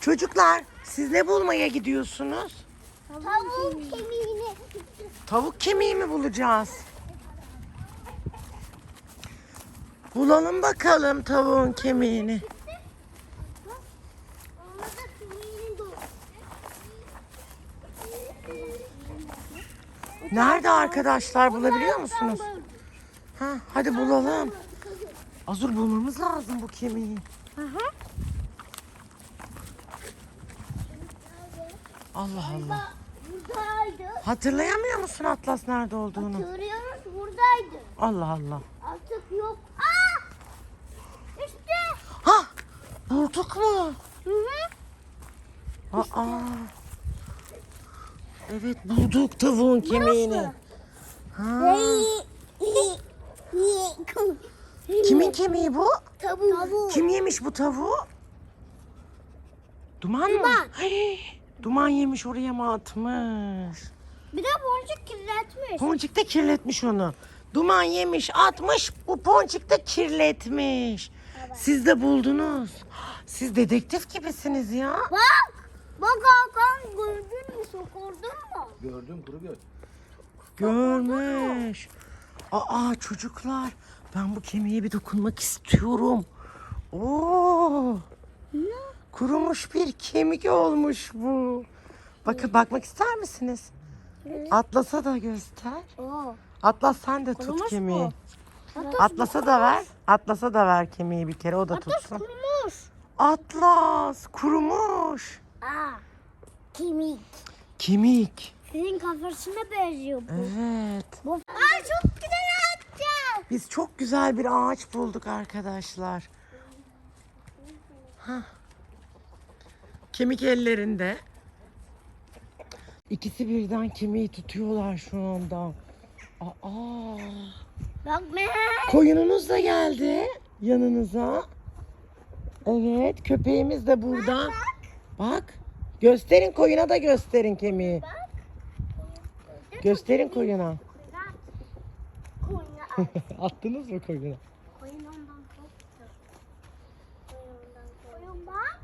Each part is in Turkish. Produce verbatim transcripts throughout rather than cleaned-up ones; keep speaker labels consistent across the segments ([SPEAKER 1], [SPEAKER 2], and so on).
[SPEAKER 1] Çocuklar siz ne bulmaya gidiyorsunuz?
[SPEAKER 2] Tavuk kemiğini.
[SPEAKER 1] Tavuk kemiği mi bulacağız? Bulalım bakalım tavuğun kemiğini.
[SPEAKER 2] Ona da kemiğini doğru.
[SPEAKER 1] Nerede arkadaşlar, bulabiliyor musunuz? Ha, hadi bulalım. Azur, bulmamız lazım bu kemiği.
[SPEAKER 2] Hı hı.
[SPEAKER 1] Allah Allah.
[SPEAKER 2] Buradaydı.
[SPEAKER 1] Hatırlayamıyor musun Atlas nerede olduğunu?
[SPEAKER 2] Hatırlıyoruz buradaydı.
[SPEAKER 1] Allah Allah.
[SPEAKER 2] Artık yok. Aa! İşte.
[SPEAKER 1] Ha, bulduk mu?
[SPEAKER 2] Hı hı.
[SPEAKER 1] Aa. Evet, bulduk tavuğun kemiğini. Ha. Kimin kemiği bu?
[SPEAKER 2] Tavuk.
[SPEAKER 1] Kim yemiş bu tavuğu? Duman mı?
[SPEAKER 2] Duman.
[SPEAKER 1] Hey, Duman yemiş, oraya mı atmış?
[SPEAKER 2] Bir de boncuk kirletmiş.
[SPEAKER 1] Ponçik de kirletmiş onu. Duman yemiş, atmış, bu Ponçik de kirletmiş.
[SPEAKER 2] Evet.
[SPEAKER 1] Siz de buldunuz. Siz dedektif gibisiniz ya.
[SPEAKER 2] Bak. Bak Hakan, gördün mü? Sokurdun mu?
[SPEAKER 3] Gördüm, kuru göz.
[SPEAKER 1] Görmüş. Aa çocuklar, ben bu kemiğe bir dokunmak istiyorum. Oo. Kurumuş bir kemik olmuş bu. Bakın, bakmak ister misiniz? Atlas'a da göster.
[SPEAKER 2] Oo.
[SPEAKER 1] Atlas, sen de tut
[SPEAKER 2] Kurumuş
[SPEAKER 1] kemiği.
[SPEAKER 2] mu?
[SPEAKER 1] Atlas'a da ver. Atlas'a da ver kemiği bir kere, o da
[SPEAKER 2] Atlas
[SPEAKER 1] tutsun.
[SPEAKER 2] kurumuş.
[SPEAKER 1] Atlas kurumuş.
[SPEAKER 2] Aa. Kemik.
[SPEAKER 1] Kemik.
[SPEAKER 2] Sizin kafasına benziyor bu.
[SPEAKER 1] Evet.
[SPEAKER 2] Bu. Aa, çok güzel atacağım.
[SPEAKER 1] Biz çok güzel bir ağaç bulduk arkadaşlar. Hah. Kemik ellerinde. İkisi birden kemiği tutuyorlar şu anda. Aa.
[SPEAKER 2] Bak ben.
[SPEAKER 1] Koyununuz da geldi yanınıza. Evet, köpeğimiz de burada. Bak. Gösterin koyuna da, gösterin kemiği. Gösterin koyuna.
[SPEAKER 2] Koyuna at.
[SPEAKER 1] Attınız mı koyuna?
[SPEAKER 2] Koyun ondan korktu. Koyun ondan korktu. Koyun bak.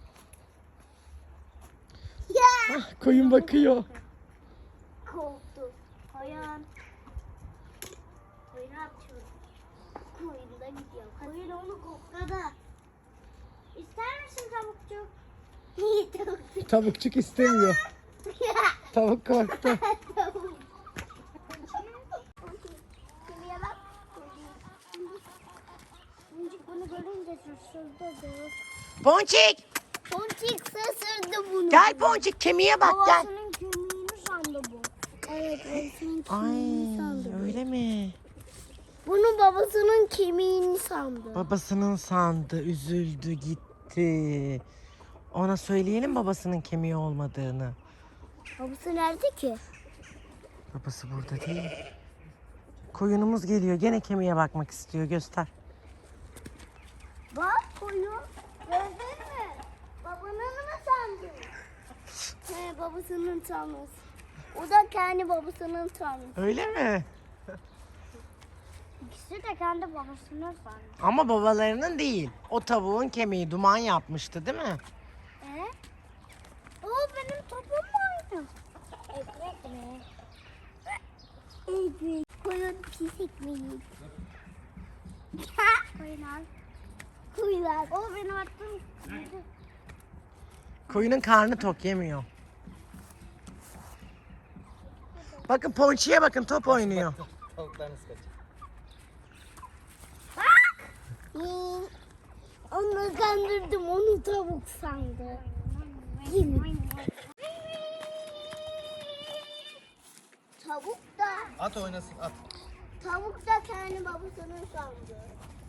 [SPEAKER 2] Ya.
[SPEAKER 1] Ah, koyun bakıyor.
[SPEAKER 2] Korktu. Koyun. Koyunu atıyor. Koyun da gidiyor. Koyun onu kokladı. İster misin tavukçuk? Niye tavukçuk?
[SPEAKER 1] Tavukçuk istemiyor. Tavuk korktu.
[SPEAKER 2] Tavuk. Şuraya bak. Boncuk bunu görünce şaşırdı.
[SPEAKER 1] Ponçik,
[SPEAKER 2] Boncuk şaşırdı bunu.
[SPEAKER 1] gel Ponçik, kemiğe bak gel.
[SPEAKER 2] Babasının kemiğini sandı bu. Evet, babasının
[SPEAKER 1] Ay,
[SPEAKER 2] kemiğini sandı bu.
[SPEAKER 1] öyle mi?
[SPEAKER 2] Bunu babasının kemiğini sandı.
[SPEAKER 1] Babasının sandı, üzüldü, gitti. Ona söyleyelim babasının kemiği olmadığını.
[SPEAKER 2] Babası nerede ki?
[SPEAKER 1] Babası burada değil. Koyunumuz geliyor, gene kemiğe bakmak istiyor, göster.
[SPEAKER 2] Bak koyun. Gördün mü? Babanın mı sandı? He, babasının sanmış. O da kendi babasının sanmış.
[SPEAKER 1] Öyle mi?
[SPEAKER 2] İkisi de kendi babasının sanmış.
[SPEAKER 1] Ama babalarının değil. O tavuğun kemiği Duman yapmıştı, değil mi?
[SPEAKER 2] E? O benim topum mu oydu? Evet mi? Evet. Koyun pis ekmeği. Koyun al. Koyun al. O benim attığım.
[SPEAKER 1] Koyunun karnı tok, yemiyor. Bakın Ponçik'e bakın, top oynuyor.
[SPEAKER 3] Tavuklarınız kaçıyor.
[SPEAKER 2] Hmm, Onu kandırdım, onu tavuk sandı. Yemin. Tavuk da,
[SPEAKER 3] At oynasın, at.
[SPEAKER 2] tavuk da kendi babasının sandı.